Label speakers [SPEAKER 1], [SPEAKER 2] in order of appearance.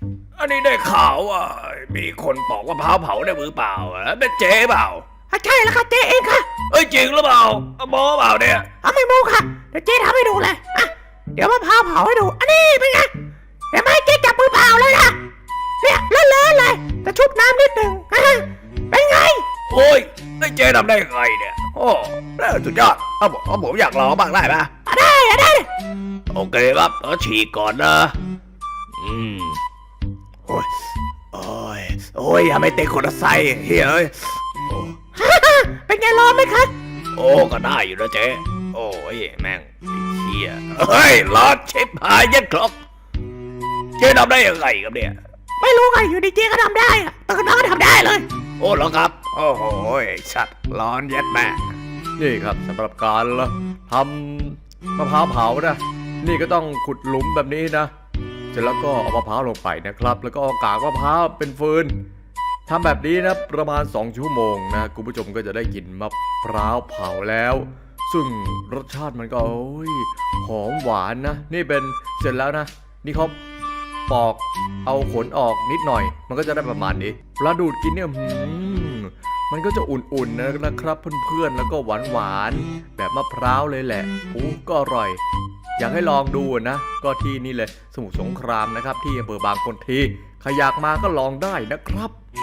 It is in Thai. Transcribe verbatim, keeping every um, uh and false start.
[SPEAKER 1] อันนี้ได้ข่าวว่ามีคนปอกมะพร้าวเผาได้มือเปล่าอ่ะเป็นเจ๊เปล่า
[SPEAKER 2] ใช่แล้วค่ะเจ๊เองค่ะ
[SPEAKER 1] เอ้ยจริงหรือเปล่าโม้เปล่าเนี่ย
[SPEAKER 2] เอาไม่โม้ค่ะเดี๋ยวเจ๊ทำให้ดูเลยอ่ะเดี๋ยวมะพร้าวเผาให้ดูอันนี้เป็นไงเห็นไหมเจ๊จับมือเปล่าเลยนะเนี่ยเลอะๆเลยแต่ชุบน้ำนิดหนึ่งเป็นไง
[SPEAKER 1] โอ้ยไอ้เจ๊ทำได้ไงเนี่ยโอ้สุดยอดเอาผมเอาผมอยากลองบ้างได้ปะ
[SPEAKER 2] ได้ได้
[SPEAKER 1] โอเคครับเออฉีกก่อนนะอืมโอ้ยโอ้ยโอ้ยอย่าไม่เตะคนละไซเฮ้ย
[SPEAKER 2] เป็นไงร้อนไหมครับ
[SPEAKER 1] โอ้ก็ได้อยู่นะเจ๊โอ้ยแม่งเฮียเฮ้ยร้อนชิบหายยัดครบเจ๊ทำได้ยังไงครับเนี่ย
[SPEAKER 2] ไม่รู้ไงอยู่ดีเจ๊ก็ทำได้อะตื่นนอนทำได้เลย
[SPEAKER 1] โอ้เหรอครับโอ้โหสัตว์ร้อนยัดแม่
[SPEAKER 3] นี่ครับสำหรับการทำมะพร้าวเผานะนี่ก็ต้องขุดหลุมแบบนี้นะเสร็จแล้วก็เอามะพร้าวลงไปนะครับแล้วก็เอากากมะพร้าวเป็นฟืนทำแบบนี้นะประมาณสองชั่วโมงนะคุณผู้ชมก็จะได้กินมะพร้าวเผาแล้วซึ่งรสชาติมันก็โอ้ยหอมหวานนะนี่เป็นเสร็จแล้วนะนี่เขาปอกเอาขนออกนิดหน่อยมันก็จะได้ประมาณนี้เวลาดูดกินเนี่ยหืมมันก็จะอุ่นๆนะครับเพื่อนๆแล้วก็หวานๆแบบมะพร้าวเลยแหละโอ้ก็อร่อยอยากให้ลองดูนะก็ที่นี่เลยสมุทรสงครามนะครับที่อำเภอบางคนทีใครอยากมาก็ลองได้นะครับ